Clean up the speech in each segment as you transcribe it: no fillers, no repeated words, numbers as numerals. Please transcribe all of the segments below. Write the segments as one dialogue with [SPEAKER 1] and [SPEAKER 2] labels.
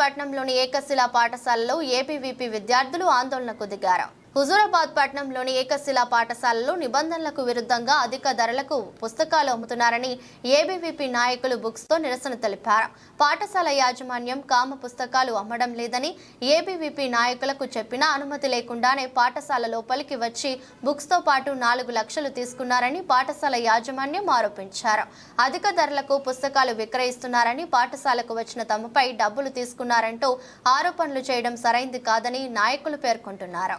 [SPEAKER 1] పట్టణంలోని ఏకశిలా పాఠశాలలో ఏబీవీపీ విద్యార్థులు ఆందోళనకు దిగారు. హుజూరాబాద్ పట్టణంలోని ఏకశిలా పాఠశాలలో నిబంధనలకు విరుద్ధంగా అధిక ధరలకు పుస్తకాలు అమ్ముతున్నారని ఏబీవీపీ నాయకులు బుక్స్ తో నిరసన తెలిపారు. పాఠశాల యాజమాన్యం కామ పుస్తకాలు అమ్మడం లేదని ఏబీవీపీ నాయకులకు చెప్పినా అనుమతి లేకుండానే పాఠశాల లోపలికి వచ్చి బుక్స్ తో పాటు 4 లక్షలు తీసుకున్నారని పాఠశాల యాజమాన్యం ఆరోపించారు. అధిక ధరలకు పుస్తకాలు విక్రయిస్తున్నారని పాఠశాలకు వచ్చిన తమపై డబ్బులు తీసుకున్నారంటూ ఆరోపణలు చేయడం సరైంది కాదని నాయకులు పేర్కొంటున్నారు.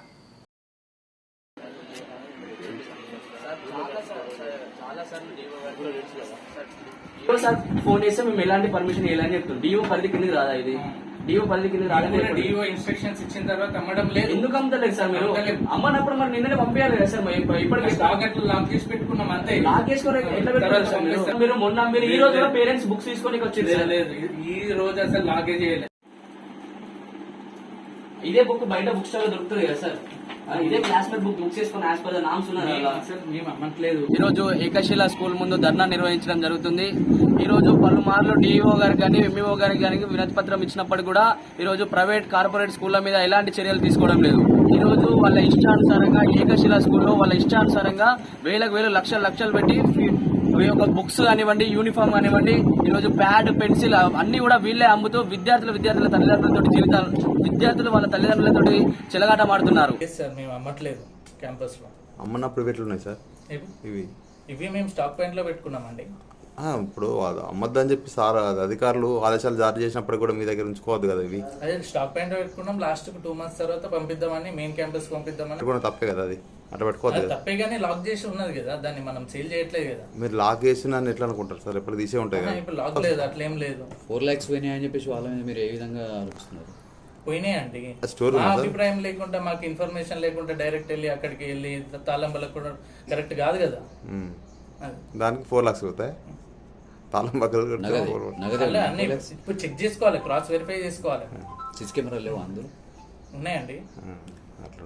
[SPEAKER 2] ఫోన్ చేస్తే మేము ఎలాంటి పర్మిషన్ ఇవ్వాలని చెప్తాం. డిఓ పరిధి కింద రాదా ఇది? డిఓ పరిధి కింద రాదని
[SPEAKER 3] డిఓ ఇన్స్ట్రక్షన్స్ ఇచ్చిన తర్వాత అమ్మడం లేదు.
[SPEAKER 2] ఎందుకు అమ్మలేదు సార్? మీరు అమ్మనప్పుడు మరి నిన్ననే పంపించాలి కదా సార్. ఇప్పటికీ
[SPEAKER 3] లాక్ చేసి పెట్టుకున్నాం అంతే.
[SPEAKER 2] లాక్ చేసుకుని ఎట్లా పెట్టారు సార్? మీరు మొన్న మీరు ఈ రోజు పేరెంట్స్ బుక్స్ తీసుకొని వచ్చింది
[SPEAKER 3] లేదు. ఈ రోజు అసలు లాగే చేయలేదు.
[SPEAKER 2] ఇదే బుక్ బయట బుక్ స్టాల్ దొరుకుతుంది కదా సార్. ఇదే క్లాస్మేట్ బుక్ బుక్ చేసుకుని యాజ్ పర్ ద నామ్స్ ఉన్నారు.
[SPEAKER 3] మేము అమ్మట్లేదు.
[SPEAKER 2] ఈ రోజు ఏకశిలా స్కూల్ ముందు ధర్నా నిర్వహించడం జరుగుతుంది. ఈ రోజు పలుమార్లు డిఈఓ గారికి కానీ ఎంఈఓ గారికి కానీ వినతి పత్రం ఇచ్చినప్పటికీ కూడా ఈ రోజు ప్రైవేట్ కార్పొరేట్ స్కూళ్ల మీద ఎలాంటి చర్యలు తీసుకోవడం లేదు. ఈ రోజు వాళ్ళ ఇష్టానుసారంగా ఏకశిలా స్కూల్లో వాళ్ళ ఇష్టానుసారంగా వేలకు లక్షలు పెట్టి ఒక బుక్స్ కానివ్వండి, యూనిఫామ్ కానివ్వండి, ఈ రోజు ప్యాడ్, పెన్సిల్ అన్ని కూడా వీళ్ళే అమ్ముతూ విద్యార్థుల తల్లిదండ్రులతో విద్యార్థులు వాళ్ళ తల్లిదండ్రులతో చెలగాటమాడుతున్నారు.
[SPEAKER 3] మేము అమ్మట్లేదు. క్యాంపస్ లో
[SPEAKER 4] అమ్మన్నప్పుడు ఎట్లున్నాయి సార్?
[SPEAKER 3] ఇవి మేము స్టాక్ పాయింట్ లో పెట్టుకున్నామండి.
[SPEAKER 4] ఇప్పుడు అమ్మద్దని చెప్పి సార్ అధికారులు ఆదేశాలు జారీ చేసినప్పుడు కూడా మీ దగ్గర ఉంచుకోవద్దు కదా. ఇవి
[SPEAKER 3] అదే స్టాక్ పాయింట్ లో పెట్టుకున్నాం. లాస్ట్ 2 months తర్వాత పంపిద్దామని, మెయిన్ క్యాంపస్ పంపిద్దామని.
[SPEAKER 4] కూడా తప్పే కదా, అది అట్లా పెట్టుకోవద్దు కదా.
[SPEAKER 3] తప్పే కానీ లాక్ చేసి ఉన్నది కదా, దాన్ని మనం సేల్ చేయట్లేదు కదా.
[SPEAKER 4] మీరు లాక్ చేసిన ఎట్లా అనుకుంటారు సార్? ఎప్పుడు తీసే ఉంటాయి కదా.
[SPEAKER 3] ఇప్పుడు లాక్ లేదు, అట్లేం లేదు.
[SPEAKER 5] 4 lakhs పోయినాయి అని చెప్పేసి వాళ్ళ మీద మీరు ఏ విధంగా ఆలోచిస్తున్నారు?
[SPEAKER 3] పోయినాయండి. మా అభిప్రాయం లేకుండా, మాకు ఇన్ఫర్మేషన్ లేకుండా డైరెక్ట్ వెళ్ళి అక్కడికి వెళ్ళి తాళం కూడా కరెక్ట్ కాదు కదా.
[SPEAKER 4] దానికి 4 lakhs అవుతాయి. తాళం పక్కలు
[SPEAKER 3] ఇప్పుడు చెక్ చేసుకోవాలి, క్రాస్ వెరిఫై చేసుకోవాలి.
[SPEAKER 5] సిసి కెమెరా లేవు అందులో?
[SPEAKER 3] ఉన్నాయండి.